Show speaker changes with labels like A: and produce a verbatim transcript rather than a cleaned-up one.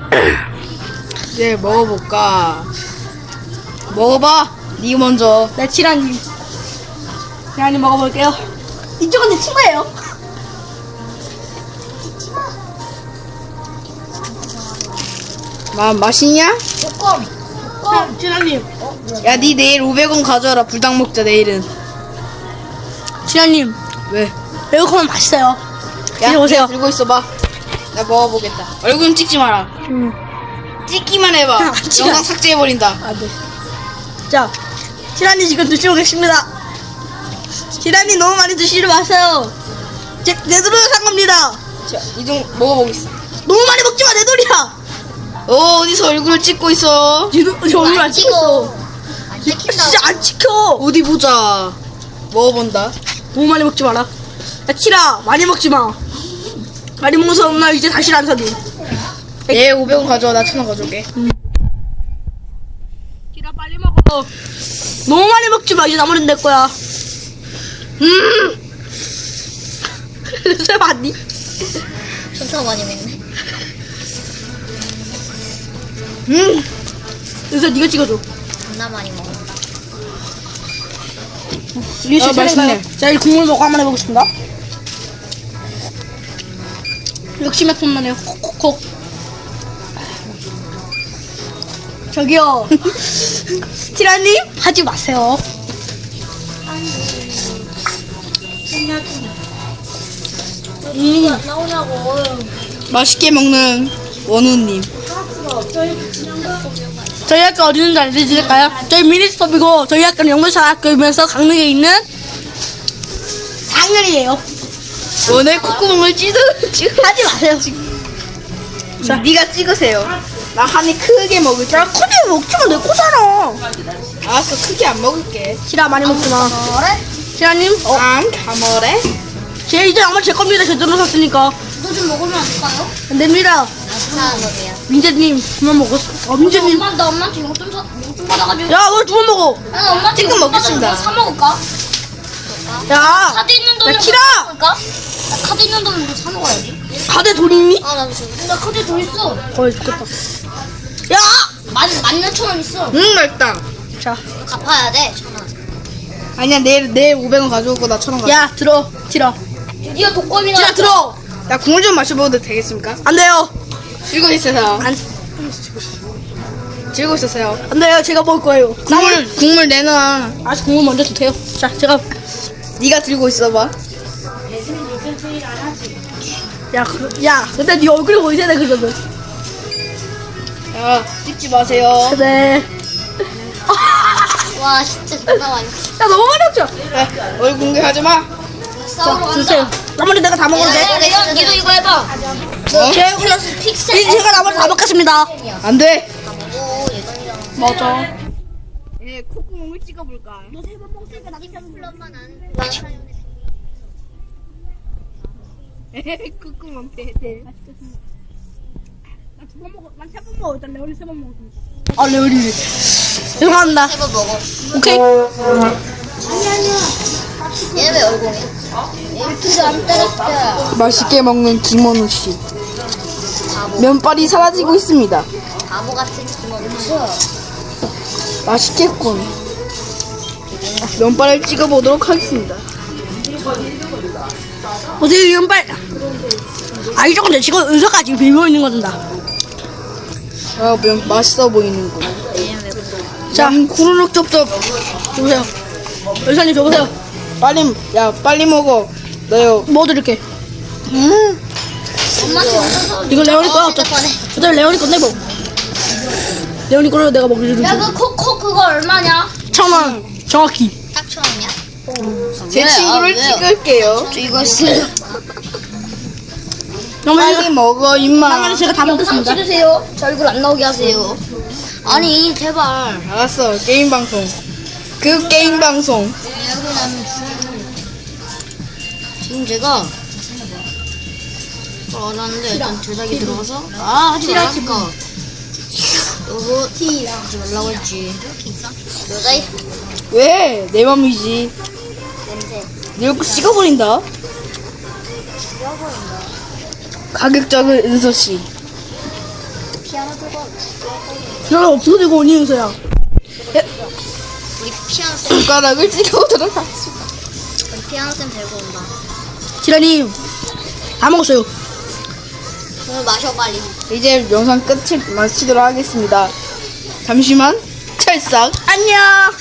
A: 네, 먹어볼까? 먹어봐. 니 먼저.
B: 네, 치라님. 치라님 먹어볼게요. 이쪽은 내 친구예요.
A: 마, 맛있냐?
C: 조금.
B: 자, 치라님.
A: 야, 니 내일 오백 원 가져와라. 불닭 먹자, 내일은.
B: 치라님.
A: 왜?
B: 매콤한 맛있어요.
A: 야,
B: 이리 오세요.
A: 들고 있어봐. 나 먹어보겠다. 얼굴 좀 찍지 마라.
B: 음.
A: 찍기만 해봐.
B: 아, 찍어.
A: 영상 삭제해버린다.
B: 아, 네. 자, 치라님 지금 드시고 계십니다. 치라님 너무 많이 드시지 마세요. 제, 내 돈으로 산 겁니다.
A: 자, 이동 먹어보겠어.
B: 너무 많이 먹지 마, 내 돈이야.
A: 어, 어디서 얼굴을 찍고 있어?
B: 지 얼굴 안 찍었어.
C: 안 찍힌다.
B: 진짜 안 찍혀.
A: 어디 보자. 먹어본다.
B: 너무 많이 먹지 마라. 야, 치라, 많이 먹지 마. 많이 먹어서 엄마 이제 다시 안 사줘.
A: 얘 오백 원 가져와. 나 천 원 가져올게.
B: 치라, 빨리 먹어. 너무 많이 먹지 마. 이제 나머지는 내 거야. 음. 새 봤니?
C: 진짜 많이 먹네.
A: 음.
B: 그래서 네가 찍어줘.
C: 겁나 많이 먹는다.
B: 이게
A: 아,
B: 제
A: 맛있네.
B: 차례인가요? 자, 이 국물 먹고 한번 해보겠습니다. 역시 매콤하네요. 콕콕콕. 저기요. 티라님 하지 마세요. 음,
C: 나오냐고.
A: 맛있게 먹는 원우님.
B: 저희 학교 어디 있는지 알려드릴까요? 저희 미니스톱이고 저희 학교는 영문사학교이면서 강릉에 있는 상렬이에요.
A: 오늘 콧구멍을 찢어, 찢어.
B: 하지 마세요.
A: 자, 니가 찍으세요. 나 한 입 크게 먹을게.
B: 야, 크게 먹지마, 내 거잖아.
A: 알았어, 크게 안 먹을게.
B: 시라 많이 먹지 마.
C: 뭐래?
B: 시라님, 어,
A: 안 가머래?
B: 제 이제 아마 제 겁니다. 제대로 샀으니까.
C: 이거 좀 먹으면 안 될까요?
B: 안 됩니다.
C: 나스나 거예요.
B: 민재님, 그만 먹었어. 어, 민재님.
C: 엄마, 나 엄마한테 용돈 사, 용돈 받아가지고.
B: 야, 왜 두 번 먹어?
C: 나 엄마한테
A: 지금
C: 용돈
A: 먹겠습니다.
C: 받아가지고 사 먹을까?
B: 야,
C: 카드 있는 돈으로
B: 키라!
C: 사 먹을까? 나 카드 있는 돈으로 사 먹어야지.
B: 가대 돈 있니?
C: 아, 나 지금. 나 카드에 돈 있어.
B: 어이, 좋겠다. 야!
C: 만, 만 몇천 원 있어.
A: 응, 맛있다.
B: 자,
C: 이거 갚아야 돼, 천 원.
A: 아니야, 내일, 내일 오백 원 가져오고 나 천 원 가져올게.
B: 야, 들어. 티라.
C: 드디어 독거미가.
B: 티라, 들어.
A: 나 국물 좀 마셔봐도 되겠습니까?
B: 안 돼요.
A: 들고 있어서요.
B: 안,
A: 들고 있었어요.
B: 안 돼요. 제가 먹을 거예요.
A: 국물, 국물 내놔.
B: 아직 국물 먼저 주세요. 자, 제가.
A: 니가 들고 있어봐.
B: 야, 그, 야, 근데 네 얼굴이 보이잖아, 그거는.
A: 야, 찍지 마세요.
B: 네.
C: 와, 진짜 존나 많이.
B: 야, 너무 많이 먹죠?
A: 야, 얼굴 공개하지 마.
C: 싸우러
B: 자,
C: 간다.
B: 주세요. 나머지 내가 다 먹어도 돼?
C: 야, 내가, 니도 이거 해봐.
A: 어?
B: 제 얼굴,
C: 픽셀.
B: 이- 제가 나머지 다 먹겠습니다.
A: 안 돼.
C: 오, 예전이랑.
B: 맞아.
A: 예, 콧구멍을 찍어볼까?
C: 너 세 번 먹으니까 나도 플러만 안.
A: 콧구멍 대대.
B: 나 두 번 먹어, 난 세 번 먹어. 일단 레오리 세 번 먹어. 아, 레오리. 죄송합니다.
C: 세 번 먹어.
B: 오케이.
C: 얘는 왜 얼공해? 이렇게 안 때렸다.
A: 맛있게 먹는 김원우 씨. 면발이 사라지고 있습니다.
C: 바보 같은 기분.
A: 맛있겠군. 면발을 찍어보도록 하겠습니다.
B: 어떻게 이런빨. 아, 이쪽은 내 지금 은서까지 비비고 있는 거다.
A: 아, 면 맛있어 보이는군.
C: 얘는 왜 그래?
A: 자, 후루룩 쩝쩝.
B: 줘보세요. 은서님 줘보세요.
A: 빨리, 야, 빨리 먹어. 너요.
B: 먹어드릴게.
A: 음.
C: 엄마한테 용돈 사.
B: 이거 레오니 거야, 어쩌
C: 꺼내.
B: 어차피 레오니 건데 뭐. 레오니 거를 내가 먹여주는
C: 야, 그 코코 그거 얼마냐?
B: 천 원. 정확히.
C: 딱 천 원이야?
A: 제
C: 왜?
A: 친구를
C: 아, 왜요?
A: 찍을게요.
C: 저 이거 있어요.
A: 빨리
B: 나머지,
A: 먹어, 임마.
B: 나머지 제가 다
C: 영상
B: 먹겠습니다.
C: 찍으세요. 저 얼굴 안 나오게 하세요. 아니, 제발.
A: 알았어, 게임 방송. 그 게임 방송.
C: 지금 제가 그걸 알았는데 일단 제작이 들어가서 아 하지 말라니까 여보 하지 말라고 했지 여자애
A: 왜? 내 맘이지.
C: 냄새
A: 내 얼굴 찍어버린다.
C: 죽여버린다
A: 가격적인 은서씨.
C: 피아노 들고 와.
B: 야, 없어지고 오니 윤서야.
C: 우리 피아노 쌤,
A: 손가락을 찍어오도록 하겠습니다.
C: 우리 피아노 쌤 데리고 온다.
B: 티라님 다 먹었어요.
C: 오늘 마셔 빨리.
A: 이제 영상 끝을 마치도록 하겠습니다. 잠시만 찰싹.
B: 안녕.